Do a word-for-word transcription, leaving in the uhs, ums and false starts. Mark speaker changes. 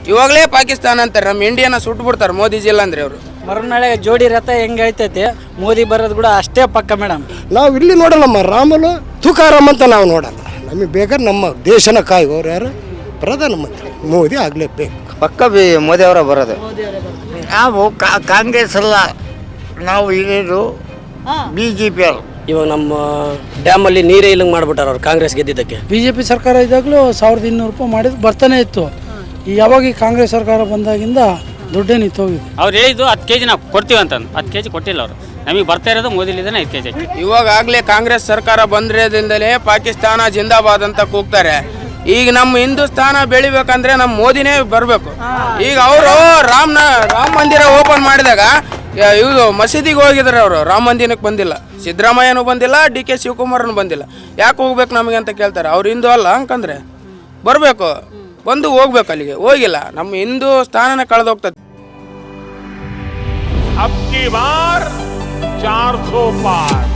Speaker 1: ಇವಾಗಲೇ ಪಾಕಿಸ್ತಾನ ಅಂತಾರೆ, ನಮ್ಮ ಇಂಡಿಯಾನ ಸುಟ್ಟು ಬಿಡ್ತಾರೆ ಮೋದಿಜಿ ಇಲ್ಲ ಅಂದ್ರೆ ಅವರು.
Speaker 2: ಮರುನಾಳೆ ಜೋಡಿ ರಥ ಹೆಂಗೆ ಹೇಳ್ತೈತೆ, ಮೋದಿ ಬರೋದು ಕೂಡ ಅಷ್ಟೇ ಪಕ್ಕ ಮೇಡಮ್.
Speaker 3: ನಾವು ಇಲ್ಲಿ ನೋಡಲ್ಲಮ್ಮ, ರಾಮುಲು ತುಕಾರಾಮ್ ಅಂತ ನಾವು ನೋಡಲ್ಲ. ನಮಗೆ ಬೇಕಾದ್ರೆ ನಮ್ಮ ದೇಶನ ಕಾಯುವವ್ರು ಯಾರು? ಪ್ರಧಾನಮಂತ್ರಿ ಮೋದಿ ಆಗಲೇಬೇಕು.
Speaker 4: ಪಕ್ಕ ಬಿ ಮೋದಿ ಅವರ ಬರೋದು. ನಾವು ಕಾಂಗ್ರೆಸ್ ಅಲ್ಲ, ನಾವು ಇರೋದು ಬಿ ಜೆ ಪಿ ಅವರು.
Speaker 5: ಇವಾಗ ನಮ್ಮ ಡ್ಯಾಮಲ್ಲಿ ನೀರೇ ಇಲ್ಲಂಗೆ ಮಾಡಿಬಿಟ್ಟಾರ ಅವ್ರು ಕಾಂಗ್ರೆಸ್ ಗೆದ್ದಿದ್ದಕ್ಕೆ.
Speaker 6: ಬಿ ಜೆ ಪಿ ಸರ್ಕಾರ ಇದ್ದಾಗಲೂ ಸಾವಿರದ ಇನ್ನೂರು ರೂಪಾಯಿ ಮಾಡಿದ್ದು ಬರ್ತಾನೆ ಇತ್ತು. ಈ ಯಾವಾಗ ಈ ಕಾಂಗ್ರೆಸ್ ಸರ್ಕಾರ ಬಂದಾಗಿಂದ ದುಡ್ಡೇ ನಿಂತೋಗಿದೆ.
Speaker 7: ಅವ್ರು ಹೇಳಿದ್ದು ಹತ್ತು ಕೆ ಜಿ ನಾವು ಕೊಡ್ತೀವಿ ಅಂತಂದು, ಹತ್ತು ಕೆ ಜಿ ಕೊಟ್ಟಿಲ್ಲ ಅವರು. ನಮಗೆ ಬರ್ತಾ ಇರೋದು ಮೋದಿಲಿದ್ದಾನೆ ಐದು ಕೆ ಜಿ.
Speaker 1: ಇವಾಗಲೇ ಕಾಂಗ್ರೆಸ್ ಸರ್ಕಾರ ಬಂದಿರೋದ್ರಿಂದಲೇ ಪಾಕಿಸ್ತಾನ ಜಿಂದಾಬಾದ್ ಅಂತ ಕೂಗ್ತಾರೆ. ಈಗ ನಮ್ಮ ಹಿಂದೂಸ್ತಾನ ಬೆಳಿಬೇಕಂದ್ರೆ ನಮ್ಮ ಮೋದಿನೇ ಬರಬೇಕು. ಈಗ ಅವರು ರಾಮನ ರಾಮ ಮಂದಿರ ಓಪನ್ ಮಾಡಿದಾಗ ಇವರು ಮಸೀದಿಗೆ ಹೋಗಿದ್ದಾರೆ, ಅವರು ರಾಮ ಮಂದಿರಕ್ಕೆ ಬಂದಿಲ್ಲ. ಸಿದ್ದರಾಮಯ್ಯನೂ ಬಂದಿಲ್ಲ, ಡಿ ಕೆ ಶಿವಕುಮಾರನು ಬಂದಿಲ್ಲ. ಯಾಕೆ ಹೋಗ್ಬೇಕು ನಮಗೆ ಅಂತ ಕೇಳ್ತಾರೆ. ಅವ್ರು ಹಿಂದೂ ಅಲ್ಲ ಅಂಕಂದ್ರೆ ಬರಬೇಕು, ಬಂದು ಹೋಗ್ಬೇಕು. ಅಲ್ಲಿಗೆ ಹೋಗಿಲ್ಲ, ನಮ್ಮ ಹಿಂದೂ ಸ್ಥಾನನ ಕಳೆದೋಗ್ತದೆ.
Speaker 8: अब की बार चार सौ पार